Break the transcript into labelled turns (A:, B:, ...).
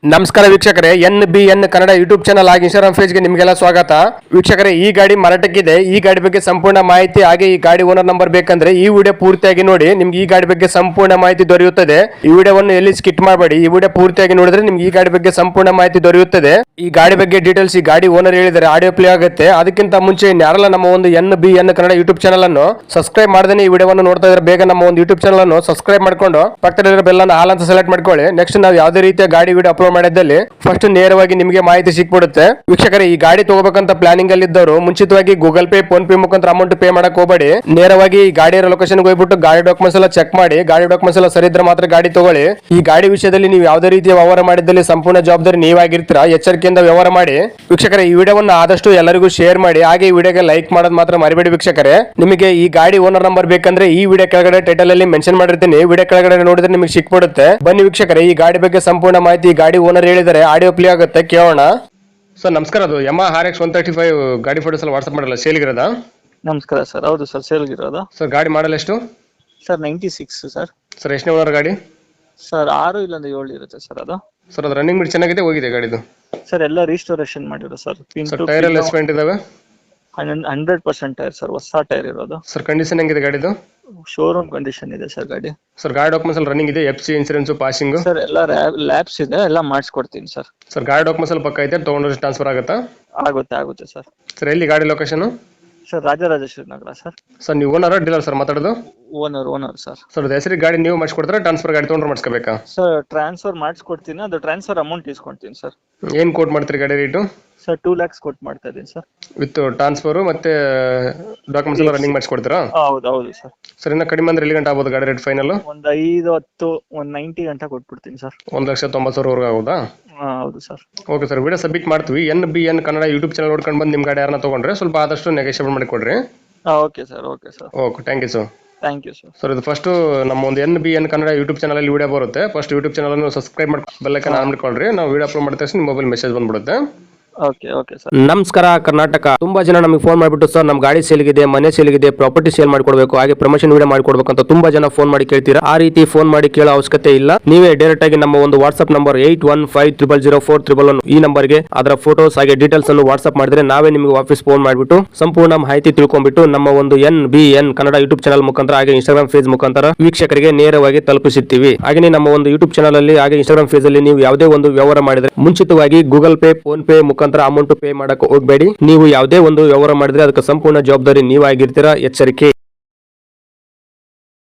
A: ನಮಸ್ಕಾರ ವೀಕ್ಷಕರೇ, NBN Kannada YouTube channel ಹಾಗೆ ಇನ್ಸ್ಟಾಗ್ರಾಮ್ ಪೇಜ್ಗೆ ನಿಮಗೆಲ್ಲ ಸ್ವಾಗತ. ವೀಕ್ಷಕರೇ, ಈ ಗಾಡಿ ಮಾರಾಟಕ್ಕಿದೆ. ಈ ಗಾಡಿ ಬಗ್ಗೆ ಸಂಪೂರ್ಣ ಮಾಹಿತಿ ಹಾಗೆ ಈ ಗಾಡಿ ಓನರ್ ನಂಬರ್ ಬೇಕಂದ್ರೆ ಈ ವಿಡಿಯೋ ಪೂರ್ತಿಯಾಗಿ ನೋಡಿ. ನಿಮ್ಗೆ ಈ ಗಾಡಿ ಬಗ್ಗೆ ಸಂಪೂರ್ಣ ಮಾಹಿತಿ ದೊರೆಯುತ್ತದೆ. ಈ ವಿಡಿಯೋವನ್ನು ಎಲ್ಲಿ ಸ್ಕಿಟ್ ಮಾಡಬೇಡಿ. ಈ ವಿಡಿಯೋ ಪೂರ್ತಿಯಾಗಿ ನೋಡಿದ್ರೆ ನಿಮ್ಗೆ ಈ ಗಾಡಿ ಬಗ್ಗೆ ಸಂಪೂರ್ಣ ಮಾಹಿತಿ ದೊರೆಯುತ್ತದೆ. ಈ ಗಾಡಿ ಬಗ್ಗೆ ಡೀಟೇಲ್ಸ್ ಈ ಗಾಡಿ ಓನರ್ ಹೇಳಿದರೆ ಆಡಿಯೋ ಪ್ಲೇ ಆಗುತ್ತೆ. ಅದಕ್ಕಿಂತ ಮುಂಚೆ ಯಾರೆಲ್ಲ ನಮ್ಮ ಒಂದು NBN ಕನ್ನಡ ಯೂಟ್ಯೂಬ್ ಚಾನಲ್ ಅನ್ನು ಸಬ್ಸ್ಕ್ರೈಬ್ ಮಾಡದೇ ಈ ವಿಡಿಯೋವನ್ನು ನೋಡ್ತಾ ಇದ್ರೆ ಬೇಗ ನಮ್ಮ ಒಂದು ಯೂಟ್ಯೂಬ್ ಚಾನಲ್ ಅನ್ನು ಸಬ್ಸ್ಕ್ರೈಬ್ ಮಾಡ್ಕೊಂಡು ಪಕ್ಕದಲ್ಲಿರೋ ಬೆಲ್ ಅನ್ನು ಆಲ್ ಅಂತ ಸೆಲೆಕ್ಟ್ ಮಾಡ್ಕೊಳ್ಳಿ. ನೆಕ್ಸ್ಟ್ ನಾವು ಯಾವುದೇ ರೀತಿಯ ಗಾಡಿ ವಿಡಿಯೋ ಅಪ್ಲೋಡ್ ಮಾಡಿದ್ದಲ್ಲಿ ಫಸ್ಟ್ ನೇರವಾಗಿ ನಿಮಗೆ ಮಾಹಿತಿ ಸಿಕ್ಬಿಡುತ್ತೆ. ವೀಕ್ಷಕರೇ, ಈ ಗಾಡಿ ತಗೋಬೇಕಂತ ಪ್ಲಾನಿಂಗ್ ಅಲ್ಲಿ ಇದ್ದವರು ಮುಂಚಿತವಾಗಿ ಗೂಗಲ್ ಪೇ, ಫೋನ್ ಪೇ ಮುಖಾಂತರ ಅಮೌಂಟ್ ಪೇ ಮಾಡಕ್ ಹೋಗಬೇಡಿ. ನೇರವಾಗಿ ಈ ಗಾಡಿಯ ಲೊಕೇಶನ್ ಹೋಗ್ಬಿಟ್ಟು ಗಾಡಿ ಡಾಕ್ಯುಮೆಂಟ್ಸ್ ಎಲ್ಲ ಚೆಕ್ ಮಾಡಿ. ಗಾಡಿ ಡಾಕ್ಯುಮೆಂಟ್ಸ್ ಎಲ್ಲ ಸರಿ ಇದ್ರೆ ಮಾತ್ರ ಗಾಡಿ ತಗೊಳ್ಳಿ. ಈ ಗಾಡಿ ವಿಷಯದಲ್ಲಿ ನೀವು ಯಾವುದೇ ರೀತಿಯ ವ್ಯವಹಾರ ಮಾಡಿದಲ್ಲಿ ಸಂಪೂರ್ಣ ಜವಾಬ್ದಾರಿ ನೀವಾಗಿರ್ತೀರಾ. ಎಚ್ಚರಿಕೆಯಿಂದ ವ್ಯವಹಾರ ಮಾಡಿ. ವೀಕ್ಷಕರೇ, ಈ ವಿಡಿಯೋವನ್ನು ಆದಷ್ಟು ಎಲ್ಲರಿಗೂ ಶೇರ್ ಮಾಡಿ. ಹಾಗೆ ಈ ವಿಡಿಯೋಗೆ ಲೈಕ್ ಮಾಡೋದು ಮಾತ್ರ ಮರಿಬೇಡಿ. ವೀಕ್ಷಕರೇ, ನಿಮಗೆ ಈ ಗಾಡಿ ಓನರ್ ನಂಬರ್ ಬೇಕಂದ್ರೆ ಈ ವಿಡಿಯೋ ಕೆಳಗಡೆ ಟೈಟಲ್ ಅಲ್ಲಿ ಮೆನ್ಷನ್ ಮಾಡಿರ್ತೀನಿ. ವಿಡಿಯೋ ಕೆಳಗಡೆ ನೋಡಿದ್ರೆ ನಿಮಗೆ ಸಿಕ್ಬಿಡುತ್ತೆ. ಬನ್ನಿ ವೀಕ್ಷಕರೇ, ಈ ಗಾಡಿ ಬಗ್ಗೆ ಸಂಪೂರ್ಣ ಮಾಹಿತಿ ಈ ಗಾಡಿ ಓನರ್ ಹೇಳಿದರೆ ಆಡಿಯೋ ಪ್ಲೇ ಆಗುತ್ತೆ, ಕೇಳೋಣ. ಸರ್ ನಮಸ್ಕಾರ, ಅದು Yamaha RX 135 ಗಾಡಿ ಫೋಟೋಸ್ ಎಲ್ಲ ವಾಟ್ಸ್ಆಪ್ ಮಾಡಲ್ಲ, ಸೇಲ್ಗಿರೋದಾ?
B: ನಮಸ್ಕಾರ ಸರ್. ಹೌದು ಸರ್, ಸೇಲ್ಗಿರೋದು.
A: ಸರ್ ಗಾಡಿ ಮಾಡಲ್ ಎಷ್ಟು?
B: Sir 96 sir.
A: ಸರ್ ಎಷ್ಟನೇ ಓನರ್ ಗಾಡಿ?
B: ಸರ್ 6 ಇಲ್ಲಂದ್ರೆ 7 ಇರುತ್ತೆ ಸರ್ ಅದು.
A: ಸರ್ ಅದು ರನ್ನಿಂಗ್ ಬಿಟ್ಟು ಚೆನ್ನಾಗಿದೆ, ಹೋಗಿದೆ ಗಾಡಿದು?
B: ಸರ್ ಎಲ್ಲ ರೀಸ್ಟೋರೇಷನ್ ಮಾಡಿರೋ ಸರ್.
A: ಸರ್ ಟೈರ್ ಎಲ್ಲ ಎಸ್ಪೆಂಟ್ ಇದಾವೆ?
B: 100% ಟೈರ್ ಸರ್, ಹೊಸ ಟೈರ್ ಇರೋದು.
A: ಸರ್ ಕಂಡೀಷನ್ ಹೆಂಗಿದೆ ಗಾಡಿದು?
B: ಶೋರೂಮ್ ಕಂಡೀಷನ್ ಇದೆ ಸರ್ ಗಾಡಿ.
A: ಸರ್ ಗಾಡಿ ಡಾಕ್ಯುಮೆಂಟ್ಸ್ ಎಲ್ಲ ರನ್ನಿಂಗ್ ಇದೆ? FC insurance, passing?
B: ಸರ್ ಎಲ್ಲ ಲ್ಯಾಬ್ಸ್ ಇದೆ, ಎಲ್ಲ ಮಾಡಿಸ್ಕೊಡ್ತೀನಿ ಸರ್.
A: ಸರ್ ಗಾಡಿ ಡಾಕ್ಯುಮೆಂಟ್ಸ್ ಎಲ್ಲ ಪಕ್ಕ ಐತೆ, ತಗೊಂಡ್ರೆ ಟ್ರಾನ್ಸ್ಫರ್ ಆಗುತ್ತಾ?
B: ಆಗುತ್ತೆ ಸರ್.
A: ಸರ್ ಎಲ್ಲಿ ಗಾಡಿ location?
B: Sir Rajarajeshwari Nagar sir.
A: Sir ನೀವು ಓನರ್ ಡೀಲರ್ ಸರ್ ಮಾತಾಡೋದು?
B: Owner sir.
A: ಸರ್ ಹೆಸರಿಗೆ ಗಾಡಿ ನೀವು ಮಾಡಿಸ್ಕೊಡ್ತಾರೆ, ಟ್ರಾನ್ಸ್ಫರ್ ಗಾಡಿ ತೊಗೊಂಡ್ರೆ ಮಾಡಿಸ್ಕೋಬೇಕಾ?
B: ಸರ್ ಟ್ರಾನ್ಸ್ಫರ್ ಮಾಡಿಸ್ಕೊಡ್ತೀನಿ, ಅದು ಟ್ರಾನ್ಸ್ಫರ್ ಅಮೌಂಟ್ ಇಸ್ಕೊಡ್ತೀನಿ ಸರ್.
A: ಏನು ಕೋಟ್ ಮಾಡ್ತೀರಿ ಗಾಡಿ ರೇಟು?
B: ಸರ್ 2 lakhs ಕೊಟ್ಟು ಮಾಡ್ತಾ ಇದ್ದೀನಿ ಸರ್.
A: ವಿತ್ ಟ್ರಾನ್ಸ್ಫರ್ ಮತ್ತೆ ಡಾಕ್ಯುಮೆಂಟ್ಸ್ ಎಲ್ಲ ರನ್ನಿಂಗ್ ಮಾಡಿಸ್ಕೊಡ್ತೀರಾ?
B: ಹೌದು ಸರ್.
A: ಸರ್ ಇನ್ನ ಕಡಿಮೆ ಅಂದ್ರೆ ಎಲ್ಲಿ ಗಂಟೆ ಆಗ್ಬೋದು ಗಾಡಿ ರೇಟ್ ಫೈನಲ್?
B: ಒಂದು 5-10 ಒಂದು 90 ಗಂಟೆ ಕೊಟ್ಬಿಡ್ತೀನಿ ಸರ್.
A: 1,90,000 ಆಗೋದಾ?
B: ಹೌದು sir.
A: Okay sir, video submit ಮಾಡ್ತೀವಿ. NBN ಕನ್ನಡ ಯೂಟ್ಯೂಬ್ ಚಾನಲ್ ನೋಡ್ಕೊಂಡು ಬಂದು ನಿಮ್ಮ ಗಾಡಿ ಯಾರನ್ನ ತೊಗೊಂಡ್ರೆ ಸ್ವಲ್ಪ ಆದಷ್ಟು ನೆಗೋಷಿಯೇಟ್ ಮಾಡಿ ಕೊಡ್ರಿ.
B: Okay sir.
A: Okay, thank you sir.
B: Thank you sir.
A: Sir ಇದು ಫಸ್ಟ್ ನಮ್ಮ ಒಂದು NBN ಕನ್ನಡ ಯೂಟ್ಯೂಬ್ ಚಾನಲ್ ಅಲ್ಲಿ ವಿಡಿಯೋ ಬರುತ್ತೆ. ಫಸ್ಟ್ ಯೂಟ್ಯೂಬ್ ಚಾನಲ್ ಅನ್ನು ಸಬ್ಸ್ಕ್ರೈಬ್ ಮಾಡಿ ಬೆಲ್ ಐಕಾನ್ ಆನ್ ಮಾಡ್ಕೊಳ್ರಿ. ನಾವು ವಿಡಿಯೋ ಅಪ್ಲೋಡ್ ಮಾಡಿದ ತಕ್ಷಣ ನಿಮ್ಮ ಮೊಬೈಲ್ ಮೆಸೇಜ್ ಬಂದ್ಬಿಡುತ್ತೆ.
B: Okay sir.
A: ನಮಸ್ಕಾರ ಕರ್ನಾಟಕ. ತುಂಬಾ ಜನ ನಮಗೆ ಫೋನ್ ಮಾಡಿಬಿಟ್ಟು ಸರ್ ನಮ್ಮ ಗಾಡಿ ಸೇಲ್ಗಿದೆ, ಮನೆ ಸೇಲ್ಗಿದೆ, ಪ್ರಾಪರ್ಟಿ ಸೇಲ್ ಮಾಡ್ಕೊಡ್ಬೇಕು, ಹಾಗೆ ಪ್ರಮೋಷನ್ ವಿಡಿಯೋ ಮಾಡ್ಕೊಡ್ಬೇಕು ಅಂತ ತುಂಬಾ ಜನ ಫೋನ್ ಮಾಡಿ ಕೇಳ್ತೀರಾ. ಆ ರೀತಿ ಫೋನ್ ಮಾಡಿ ಕೇಳೋ ಅವಶ್ಯಕತೆ ಇಲ್ಲ. ನೀವೇ ಡೈರೆಕ್ಟ್ ಆಗಿ ನಮ್ಮ ಒಂದು ವಾಟ್ಸ್ಆಪ್ ನಂಬರ್ 81500411 ಈ ನಂಬರ್ಗೆ ಅದರ ಫೋಟೋಸ್ ಹಾಗೆ ಡೀಟೇಲ್ಸ್ ಅನ್ನು ವಾಟ್ಸ್ಆಪ್ ಮಾಡಿದ್ರೆ ನಾವೇ ನಿಮಗೆ ವಾಪಸ್ ಫೋನ್ ಮಾಡಿಬಿಟ್ಟು ಸಂಪೂರ್ಣ ಮಾಹಿತಿ ತಿಳ್ಕೊಂಡ್ಬಿಟ್ಟು ನಮ್ಮ ಒಂದು NBN ಕನ್ನಡ ಯೂಟ್ಯೂಬ್ ಚಾನಲ್ ಮುಖಾಂತರ ಹಾಗೆ ಇನ್ಸ್ಟಾಗ್ರಾಮ್ ಪೇಜ್ ಮುಖಾಂತರ ವೀಕ್ಷಕರಿಗೆ ನೇರವಾಗಿ ತಲುಪಿಸುತ್ತೀವಿ. ಹಾಗೆ ನಮ್ಮ ಒಂದು ಯೂಟ್ಯೂಬ್ ಚಾನಲ್ ಅಲ್ಲಿ ಹಾಗೆ ಇನ್ಸ್ಟಾಗ್ರಾಮ್ ಪೇಜ್ ಅಲ್ಲಿ ನೀವು ಯಾವುದೇ ಒಂದು ವ್ಯವಹಾರ ಮಾಡಿದ್ರೆ ಮುಂಚಿತವಾಗಿ ಗೂಗಲ್ ಪೇ, ಫೋನ್ ಪೇ ಮುಖಾಂತರ ಅಮೌಂಟ್ ಪೇ ಮಾಡಕ್ಕೆ ಹೋಗಬೇಡಿ. ನೀವು ಯಾವುದೇ ಒಂದು ವ್ಯವಹಾರ ಮಾಡಿದ್ರೆ ಅದಕ್ಕೆ ಸಂಪೂರ್ಣ ಜವಾಬ್ದಾರಿ ನೀವಾಗಿರ್ತೀರಾ. ಎಚ್ಚರಿಕೆ.